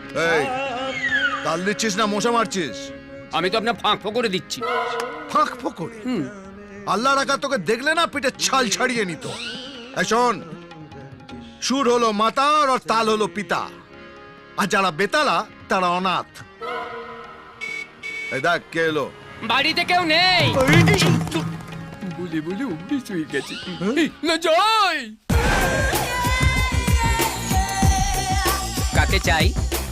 এই তাল দিচ্ছিস না মশা মারছিস? আমি তো আপনার ফাঁক করে দিচ্ছি। ফাঁক ফোকরে? আল্লাহ রাখা তোকে দেখলে না পিঠে ছাল ছাড়িয়ে নিত। এই শোন, সুর হলো মাতা আর তাল হলো পিতা, আর যারা বেতালা তারা অনাথ। এই দেখ কে এলো। বাড়িতে কেউ নেই বলে বলে অভ্যেস হয়ে গেছে। না যাই। কাকে চাই?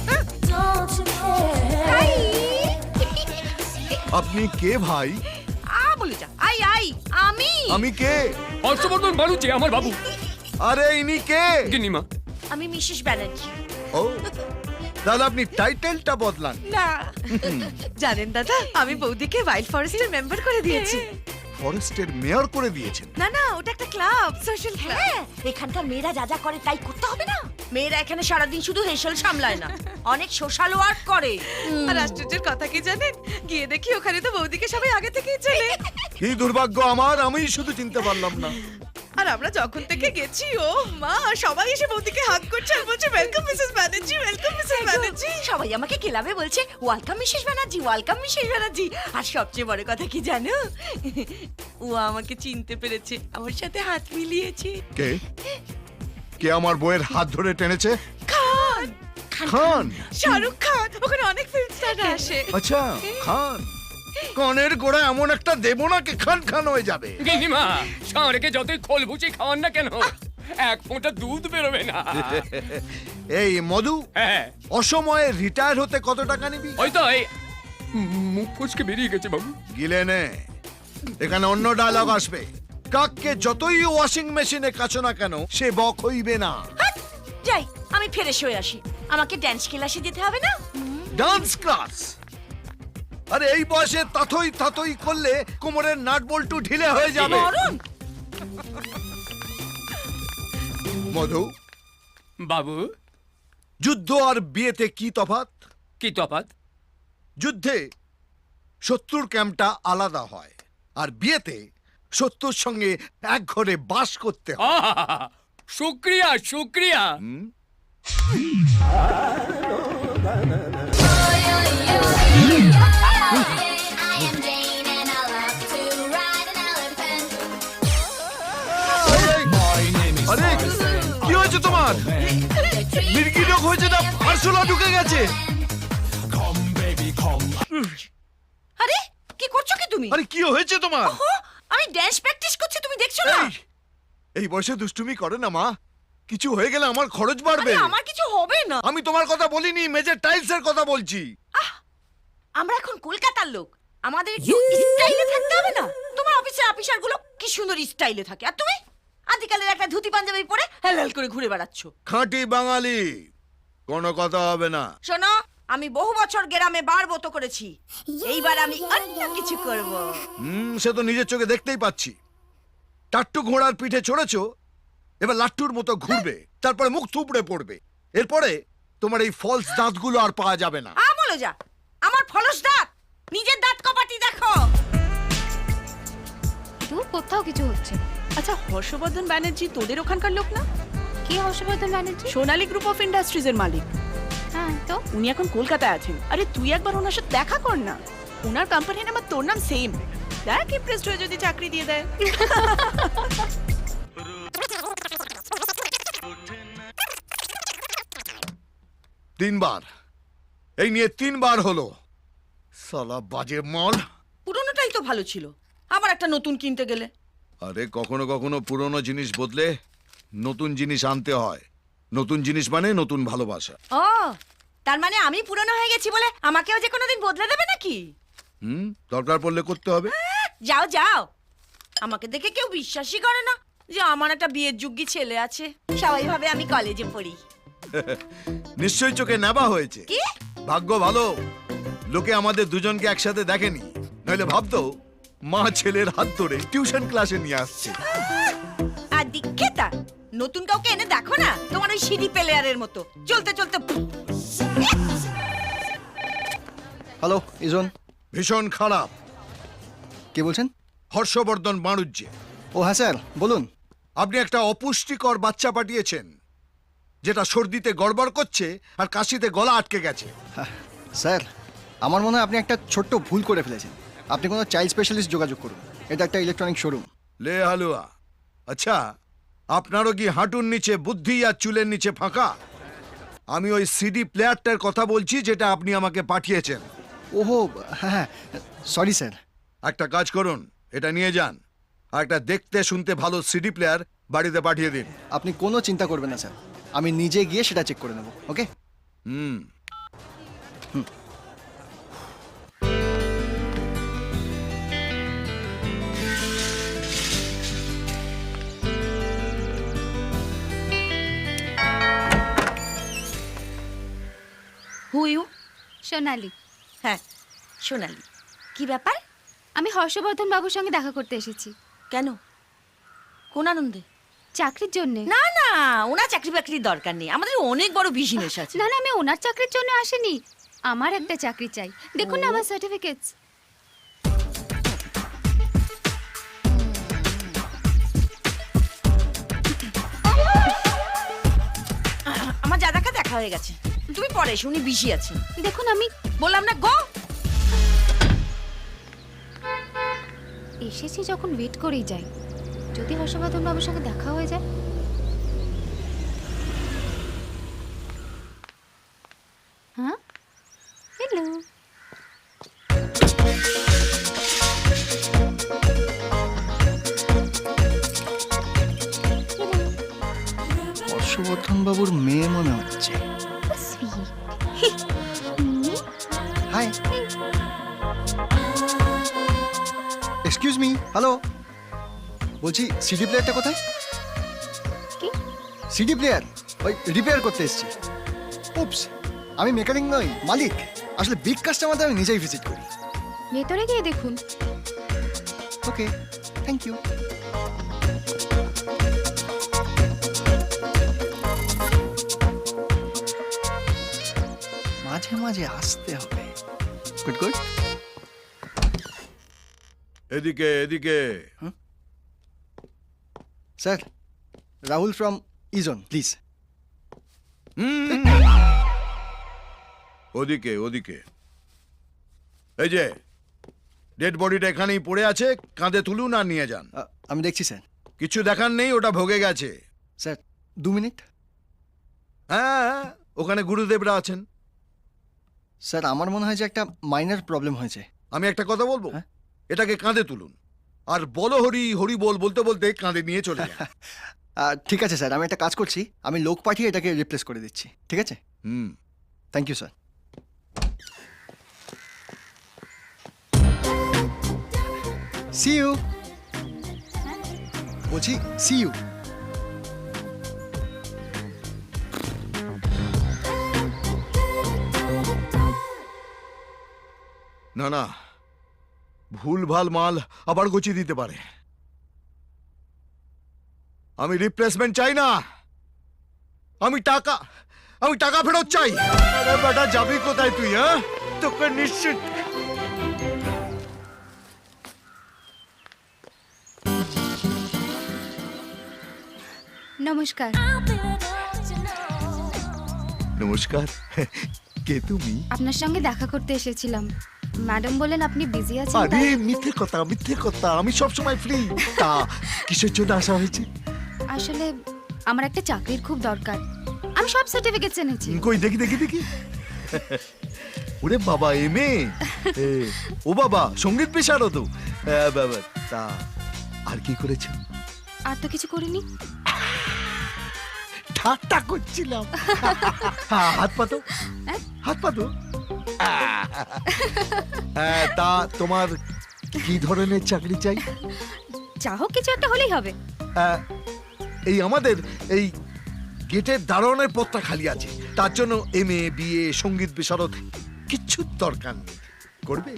আপনি কে ভাই? বলে যা। আমি কে? হর্ষবর্ধন বাড়ুচ্ছে আমার বাবু। আরে ইনি কে? গিনিমা। আমি মিসেস ব্যানার্জি। ও, তাহলে আপনি টাইটেলটা বদলান। না জানেন দাদা, আমি বৌদিকে ওয়াইল্ড ফরেস্টের মেম্বার করে দিয়েছি। ফরেস্টের মেয়র করে দিয়েছেন? না ওটা একটা ক্লাব, সোশ্যাল ক্লাব। এখানকার মেয়েরা যা যা করে তাই করতে হবে না? মেয়েরা এখানে সারাদিন শুধু হেসেল সামলায় না, অনেক সোশ্যাল ওয়ার্ক করে। আর আশ্চর্যের কথা কি জানেন, গিয়ে দেখি ওখানে তো বৌদিকে সবাই আগে থেকেই চেনে। কি দুর্ভাগ্য আমার, আমি শুধু চিনতে পারলাম না। আর আমরা যখন থেকে গেছি, ও মা, সবাই এসে বৌদিকে হাগ করছে আর বলছে welcome Mrs Banerjee, welcome Mrs Banerjee. সবাই আমাকে ক্লাবে বলছে welcome Mrs Banerjee, welcome Mrs Banerjee. আর সবচেয়ে বড় কথা কি জানো, ও আমাকে চিনতে পেরেছে, আমার সাথে হাত মিলিয়েছে। কে? কে আমার বইয়ের হাত ধরে টেনেছে? খান। খান? শাহরুখ খান, ওখানে অনেক ফিল্ম স্টার আসে। আচ্ছা, খান। কনের গোড়া এমন একটা দেবো না কি খান খান হয়ে যাবে। গিনিমা, ষাঁড়কে যতই খোল ভুচি খাওয়ান না কেন, এক ফোঁটা দুধ বেরোবে না। এই মধু, হ্যাঁ, অসময়ে রিটায়ার হতে কত টাকা নিবি? ওই তো এই মুখ ফসকে বেরিয়ে গেছে বাবু। গিলে নে, এখানে অন্য ডায়লগ আসবে। কাককে যতই ওয়াশিং মেশিনে কাছো না কেন, সে বক হইবে না। যাই, আমি ফ্রেশ হয়ে আসি। আমাকে ড্যান্স ক্লাসে যেতে হবে না? Dance class? আরে এই বয়সে তাথই তাথই করলে কোমরের নাট বল্টু ঢিলে হয়ে যাবে। মরণ। মধু, বাবু, যুদ্ধ আর বিয়েতে কি তফাৎ? কি তফাৎ? যুদ্ধে শত্রুর ক্যাম্পটা আলাদা হয়, আর বিয়েতে শত্রুর সঙ্গে এক ঘরে বাস করতে হয়। শুক্রিয়া শুক্রিয়া। আরে কি হয়েছে তোমার? মির্গি রোগ হয়েছে না আরশোলা ঢুকে গেছে? আরে কি করছো কি তুমি? আরে কি হয়েছে তোমার? ওহো, আমি ড্যান্স প্র্যাকটিস করছি, তুমি দেখছো না? এই বয়সে দুষ্টুমি করে না মা, কিছু হয়ে গেলে আমার খরচ বাড়বে। আরে আমার কিছু হবে না। আমি তোমার কথা বলিনি, মেজের টাইলস এর কথা বলছি। আমরা এখন কলকাতার লোক, আমাদের একটু স্টাইলে থাকতে হবে না? তোমার অফিসের অফিসার গুলো কি সুন্দর স্টাইলে থাকে, আর তুমি আদিকালের একটা ধুতি পাঞ্জাবি পরে হেলাল করে ঘুরে বেড়াচ্ছ। খাঁটি বাঙালি, কোনো কথা হবে না। শোনো, আমি বহু বছর গ্রামে বারবত করেছি, এইবার আমি অন্য কিছু করব। সে তো নিজের চোখে দেখতেই পাচ্ছি। টাট্টু ঘোড়ার পিঠে চড়েছো, এবার লাট্টুর মতো ঘুরবে, তারপরে মুখ থুবড়ে পড়বে। এরপরে তোমার এই ফলস দাঁতগুলো আর পাওয়া যাবে না। বলে যা, আমার ফলস দাঁত, নিজের দাঁত কপাটি দেখো। দূর, কোথাও কিছু হচ্ছে না। আচ্ছা, হর্ষবর্ধন ব্যানার্জি তোদের ওখানকার লোক না? কে হর্ষবর্ধন ব্যানার্জি? সোনালী গ্রুপ অফ ইন্ডাস্ট্রিজের মালিক। হ্যাঁ তো, উনি এখন কলকাতায় আছেন। আরে তুই একবার ওনার সাথে দেখা কর না, ওনার কোম্পানির নাম আর তোর নাম সেম। দেখ, ইমপ্রেসড হয়ে যদি চাকরি দিয়ে দেয়। তিনবার, এই নিয়ে তিনবার হলো। সালা বাজে মাল। পুরনোটাই তো ভালো ছিল, আবার একটা নতুন কিনতে গেলে। আরে কখনো কখনো পুরনো জিনিস বদলে নতুন জিনিস আনতে হয়। নতুন জিনিস মানে নতুন ভালোবাসা। ও, তার মানে আমি পুরনো হয়ে গেছি বলে আমাকেও যে কোনোদিন বদলে দেবে নাকি? দরকার পড়লে করতে হবে। যাও যাও, আমাকে দেখে কেউ বিশ্বাসই করে না যে আমার একটা বিয়ের যোগ্য ছেলে আছে। সবাই ভাবে আমি কলেজে পড়ি। নিশ্চয়ই চোখে নেবা হয়েছে। কি ভাগ্য ভালো, লোকে আমাদের দুজনকে একসাথে দেখেনি, নইলে ভাবতো মা ছেলের হাত ধরে টিউশন ক্লাসে নিয়ে আসছে। আর দীক্ষিতা, নতুন কাউকে এনে দেখো না, তোমার ওই সিডি প্লেয়ারের মতো চলতে চলতে। হ্যালো ইজন। ভীষণ খারাপ। কে বলছেন? হর্ষবর্ধন বাণুজ্যে। ও হ্যাঁ স্যার, বলুন। আপনি একটা অপুষ্টিকর বাচ্চা পাঠিয়েছেন, যেটা সর্দিতে গড়বড় করছে আর কাশিতে গলা আটকে গেছে। স্যার আমার মনে হয় আপনি একটা ছোট্ট ভুল করে ফেলেছেন। আপনি কোনো চাইল্ড স্পেশালিস্ট যোগাযোগ করুন, এটা একটা ইলেকট্রনিক শোরুম। লে হালুয়া, আচ্ছা আপনারও কি হাঁটুর নিচে বুদ্ধি আর চুলের নিচে ফাঁকা? আমি ওই সিডি প্লেয়ারটার কথা বলছি যেটা আপনি আমাকে পাঠিয়েছেন। ওহো হ্যাঁ, সরি স্যার। একটা কাজ করুন, এটা নিয়ে যান আর একটা দেখতে শুনতে ভালো সিডি প্লেয়ার বাড়িতে পাঠিয়ে দিন। আপনি কোনো চিন্তা করবেন না স্যার, আমি নিজে গিয়ে সেটা চেক করে নেব। ওকে? হুম। Who you? সোনালি। হ্যাঁ সোনালি, কি ব্যাপার? আমি হর্ষবর্ধন বাবুর সঙ্গে দেখা করতে এসেছি। কেন, কোন আনন্দে? চাকরির জন্য। না না, ওনার চাকরি বাকরির দরকার নেই, আমাদের অনেক বড় বিজনেস আছে। না না, আমি ওনার চাকরির জন্য আসিনি। আমার একটা চাকরি চাই। দেখুন না আমার সার্টিফিকেটস। আমার দাদাকে দেখা হয়ে গেছে, তুমি পরে এসো, উনি বিজি আছেন। দেখুন আমি বললাম না গো। এসেছি যখন ওয়েট করেই যাই, যদি হর্ষবর্ধন বাবুর সঙ্গে দেখা হয়ে যায়। হ্যাঁ, হ্যালো। হর্ষবর্ধন বাবুর মেয়ে মনে হচ্ছে। Hi, excuse me, hello. বলছি সিডি প্লেয়ারটা কোথায়? কি? সিডি প্লেয়ার ওই রিপেয়ার করতে এসেছি। উপস, আমি মেকানিক নই, মালিক। আসলে বিগ কাস্টমারদের আমি নিজেই ভিজিট করি। ভেতরে গিয়ে দেখুন। Okay, thank you. মাঝে মাঝে আসতে হবে। Good good. এদিকে এদিকে। স্যার, রাহুল ফ্রম ইজন, প্লিজ। হুম। ওদিকে ওদিকে। এই যে ডেড বডিটা এখানেই পড়ে আছে, কাঁধে তুলুন আর নিয়ে যান। আমি দেখছি স্যার। কিছু দেখার নেই, ওটা ভোগে গেছে। Sir 2 minute. হ্যাঁ, ওখানে গুরুদেবরা আছেন। স্যার আমার মনে হয় যে একটা মাইনর প্রবলেম হয়েছে। আমি একটা কথা বলবো, হ্যাঁ? এটাকে কাঁধে তুলুন আর বলো হরি হরি বল বলতে বলতে কাঁধে নিয়ে চলে যান। ঠিক আছে স্যার, আমি একটা কাজ করছি, আমি লোক পাঠিয়ে এটাকে রিপ্লেস করে দিচ্ছি। ঠিক আছে? হুম। Thank you sir. See you. বলছি সি ইউ। না না, ভুল ভাল মাল আবার গুছিয়ে দিতে পারে। আমি রিপ্লেসমেন্ট চাই না, আমি টাকা ফেরত চাই। আরে বেটা, যাবি কোথায় তুই? হ্যাঁ, তোকে নিশ্চিত। নমস্কার। নমস্কার, কে তুমি? আপনার সঙ্গে দেখা করতে এসেছিলাম। ম্যাডাম বলেন আপনি বিজি আছেন। আরে মিথ্যে কথা, আমি সব সময় ফ্রি। তা কিসের জন্য আসা হয়েছে? আসলে আমার একটা চাকরির খুব দরকার। আমি সব সার্টিফিকেটস এনেছি। কই দেখি। ওরে বাবা, এমএ। ও বাবা, সঙ্গীত পেশারও তো। বাবা, তা আর কি করেছো? আর তো কিছু করিনি। ঠাট্টা করছিলাম। হাত পাতো। তা তোমার কি ধরনের চাকরি চাই? যা হোক কিছু একটা হলেই হবে। এই আমাদের এই গেটের দারোয়ানের পদটা খালি আছে, তার জন্য এমএ বিএ সঙ্গীত বিশারদ কিচ্ছু দরকার নেই। করবে?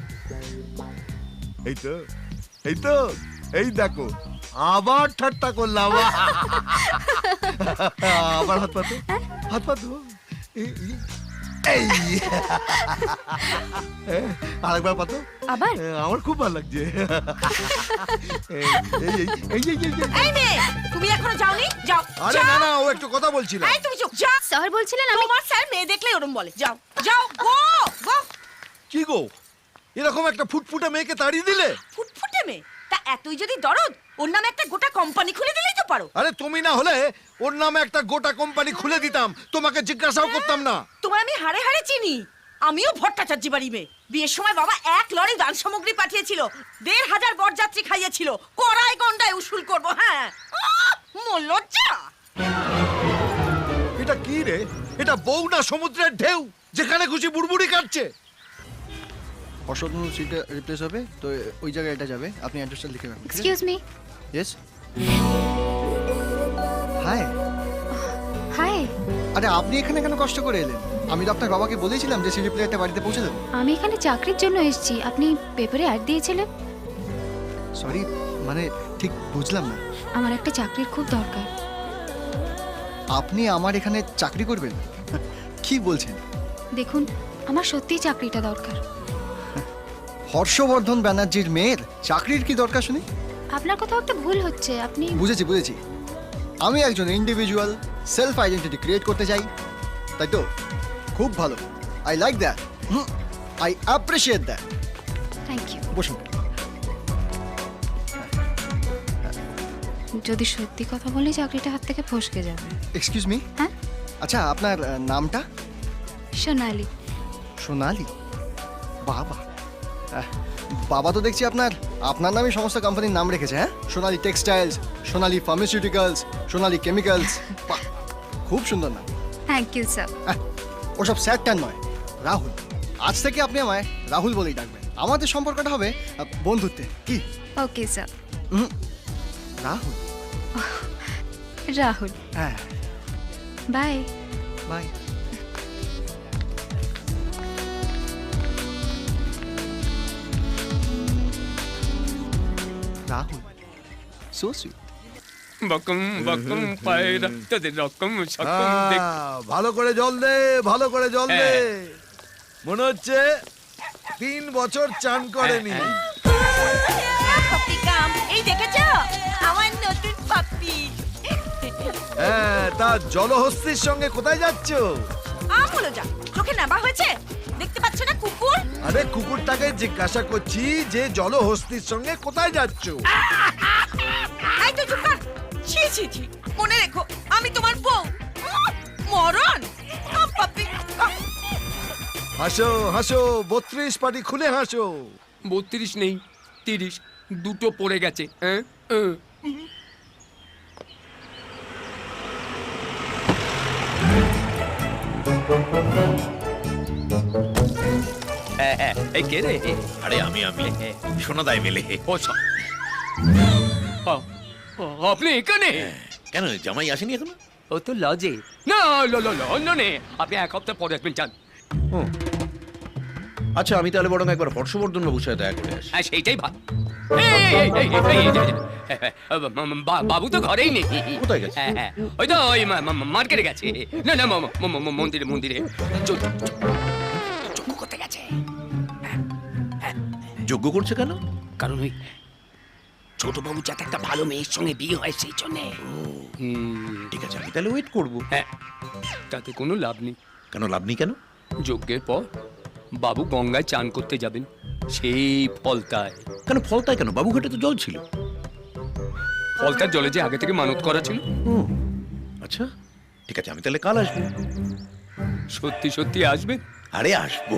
এই দেখো, আবার ঠাট্টা করলাম। আবার হাত পাতো। এই আরেকবার পাতো আবার আমার খুব ভালো লাগছে এই, এই, এই, এই, এই, এই, এই। এই মেয়ে তুমি এখনো যাওনি যাও আরে না না ও একটু কথা বলছিল এই তুমি চুপ যাও স্যার বলছিলেন আমি তোমার স্যার মেয়ে দেখলে ওরম বলে যাও যাও গো গো কি গো এরকম একটা ফুটফুটে মেয়েকে তাড়িয়ে দিলে ফুটফুটে মেয়ে তা এতই যদি দরদ ওর নামে একটা গোটা কোম্পানি খুলে দিলেই তো পারো আরে তুমি না হলে ওর নামে একটা গোটা কোম্পানি খুলে দিতাম তোমাকে জিজ্ঞাসাও করতাম না তোমার আমি হাড়ে হাড়ে চিনি আমিও ভট্টাচার্য বাড়ি মেয়ে বিয়ের সময় বাবা 1 লরি দান সামগ্রী পাঠিয়েছিল 1500 বরযাত্রী খাইয়েছিল কড়াই গন্ডায় উসুল করব হ্যাঁ মোর লজ্জা এটা কি রে এটা বউ না সমুদ্রের ঢেউ যেখানে খুশি বুড়বুড়ি কাটছে অসদন সিটটা রিপ্লেস হবে তো ওই জায়গায় এটা যাবে আপনি অ্যাড্রেসটা লিখে রাখুন excuse me yes hi hi আরে আপনি এখানে কেন কষ্ট করে এলেন আমি তো আপনার বাবাকে বলেছিলাম যে সিডি প্লেয়ারটা বাড়িতে পৌঁছে দেবো আমি এখানে চাকরির জন্য এসেছি আপনি পেপারে অ্যাড দিয়েছিলেন সরি মানে ঠিক বুঝলাম না আমার একটা চাকরির খুব দরকার আপনি আমার এখানে চাকরি করবেন কি বলছেন দেখুন আমার সত্যিই চাকরিটা দরকার হর্ষবর্ধন ব্যানার্জির মেয়ের চাকরির কি দরকার শুনি আপনার কোথাও একটা ভুল হচ্ছে আপনি বুঝেছি বুঝেছি আমি একজন ইন্ডিভিজুয়াল সেলফ আইডেন্টিটি ক্রিয়েট করতে চাই তাই তো খুব ভালো I like that I appreciate that thank you বসুন যদি সত্যি কথা বলি চাকরিটা হাত থেকে ফসকে যাবে এক্সকিউজ মি হ্যাঁ আচ্ছা আপনার নামটা সোনালি সোনালি বাবা বাবা তো দেখছি আপনার নামই সমস্ত কোম্পানির নাম রেখেছে হ্যাঁ Sonali textiles Sonali pharmaceuticals Sonali chemicals বাহ খুব সুন্দর নাম থ্যাংক ইউ স্যার ওসব স্যারটার নয় রাহুল আজ থেকে আপনি আমায় রাহুল বলেই ডাকবেন আমাদের সম্পর্কটা হবে বন্ধুত্বে কি ওকে স্যার রাহুল রাহুল হ্যাঁ bye bye Rahul so sweet বকম বকম পায়রা তোদের রকম সকম দেখ ভালো করে জল দে ভালো করে জল দে হ্যাঁ। মনে হচ্ছে 3 বছর চান করেনি পাপ্পি কাম এই দেখেছো আমার নতুন পাপ্পি হ্যাঁ তা জলহস্তির সঙ্গে কোথায় যাচ্ছ আমলো যা চোখে নাবা হয়েছে দেখতে পাচ্ছ না কুকুর আরে কুকুরটাকে জিজ্ঞাসা করছি যে জলহস্তির সঙ্গে কোথায় যাচ্ছ এই তো চুপ কর ছি ছি ছি মনে রেখো আমি তোমার বউ মরণ পাপ্পি হাসো হাসো 32 পাটি খুলে হাসো 32 নেই 30 দুটো পড়ে গেছে হ্যাঁ এই কে রে আরে আমি সোনাদাই মেলে ও আপনি এখানে কেন জামাই আসেনি এখনো? ও তো লজে না লন্ডনে আপনি 1 সপ্তাহ পরে আসবেন চান আচ্ছা আমি তাহলে বরং একবার হর্ষবর্ধন বাবুর সাথে দেখা করে আসি। হ্যাঁ সেইটাই ভালো বাবু তো ঘরেই নেই কোথায় গেছে? হ্যাঁ, হ্যাঁ, ওই তো ওই মার্কেটে গেছে না না মন্দিরে মন্দিরে যজ্ঞ করতে গেছে যজ্ঞ করছে কেন? কারণ ওই ছোট বাবু যাতে একটা ভালো মেয়ের সঙ্গে বিয়ে হয় সেই জন্যে ঠিক আছে আমি তাহলে ওয়েট করব। হ্যাঁ তাতে কোনো লাভ নেই কেন লাভ নেই কেন? যজ্ঞের পর বাবু গঙ্গায় চান করতে যাবেন সেই ফলতায় কেন ফলতায় কেন? বাবুঘাটে তো জল ছিল। ফলতার জলে যে আগে থেকে মানত করা ছিল আচ্ছা ঠিক আছে আমি তাহলে কাল আসবো। সত্যি সত্যি আসবেন আরে আসবো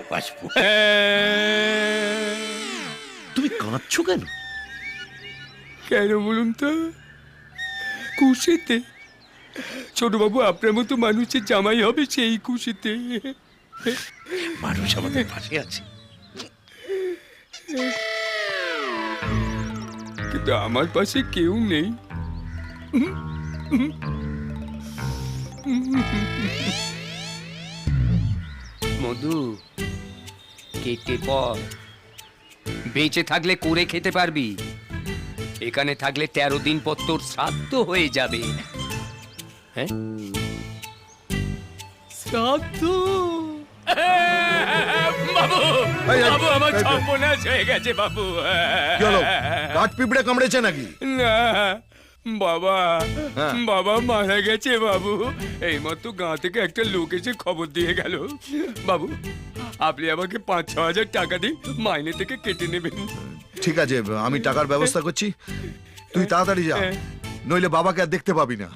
তুমি কাঁদছো কেন? কেন বলুন তো খুশিতে ছোটবাবু আপনার মতো মানুষের জামাই হবে সেই খুশিতে মানুষ আমাদের পাশে আছে। কিন্তু আমার পাশে কেউ নেই মধু কেটে পর বেঁচে থাকলে করে খেতে পারবি এখানে থাকলে 13 দিন পর তোর শ্রাদ্ধ হয়ে যাবে হ্যাঁ শ্রাদ্ধ বাবু এই, এই, বাবু আমার এই, এই। সর্বনাশ হয়ে গেছে বাবু কি হলো কাঠ পিঁপড়ে কামড়েছে নাকি না বাবা হ্যাঁ। বাবা মারা গেছে বাবু এইমাত্র গাঁ থেকে একটা লোক এসে খবর দিয়ে গেল বাবু আপনি আমাকে 5-6 হাজার টাকা দিন মাইনে থেকে কেটে নেবেন ঠিক আছে আমি টাকার ব্যবস্থা করছি তুই তাড়াতাড়ি যা নইলে বাবাকে আর দেখতে পাবি না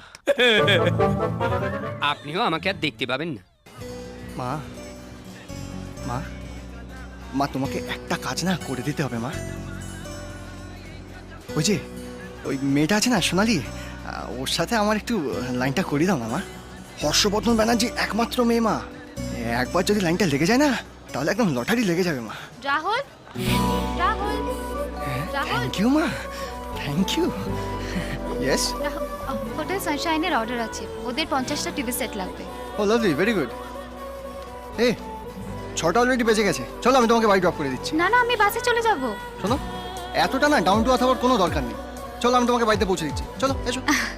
আপনিও আমাকে আর দেখতে পাবেন না মা মা মা তোমাকে একটা কাজ না করে দিতে হবে মা ওই যে ওই মেয়েটা আছে না সোনালি ওর সাথে আমার একটু লাইনটা করিয়ে দাও না মা হর্ষবর্ধন ব্যানার্জি একমাত্র মেয়ে মা একবার যদি লাইনটা লেগে যায় না তাহলে একদম লটারি লেগে যাবে মা রাহুল রাহুল রাহুল থ্যাংক ইউ মা থ্যাংক ইউ ইয়েস হোটেল সানশাইনের অর্ডার আছে ওদের 50টা টিভি সেট লাগবে ও লাভলি ভেরি গুড এই 6টা অলরেডি বেজে গেছে চলো আমি তোমাকে বাড়ি ড্রপ করে দিচ্ছি না না আমি বাসে চলে যাব শোনো এতটা না ডাউন টু আর্থ হওয়ার কোনো দরকার নেই চলো আমি তোমাকে বাড়িতে পৌঁছে দিচ্ছি চলো এসো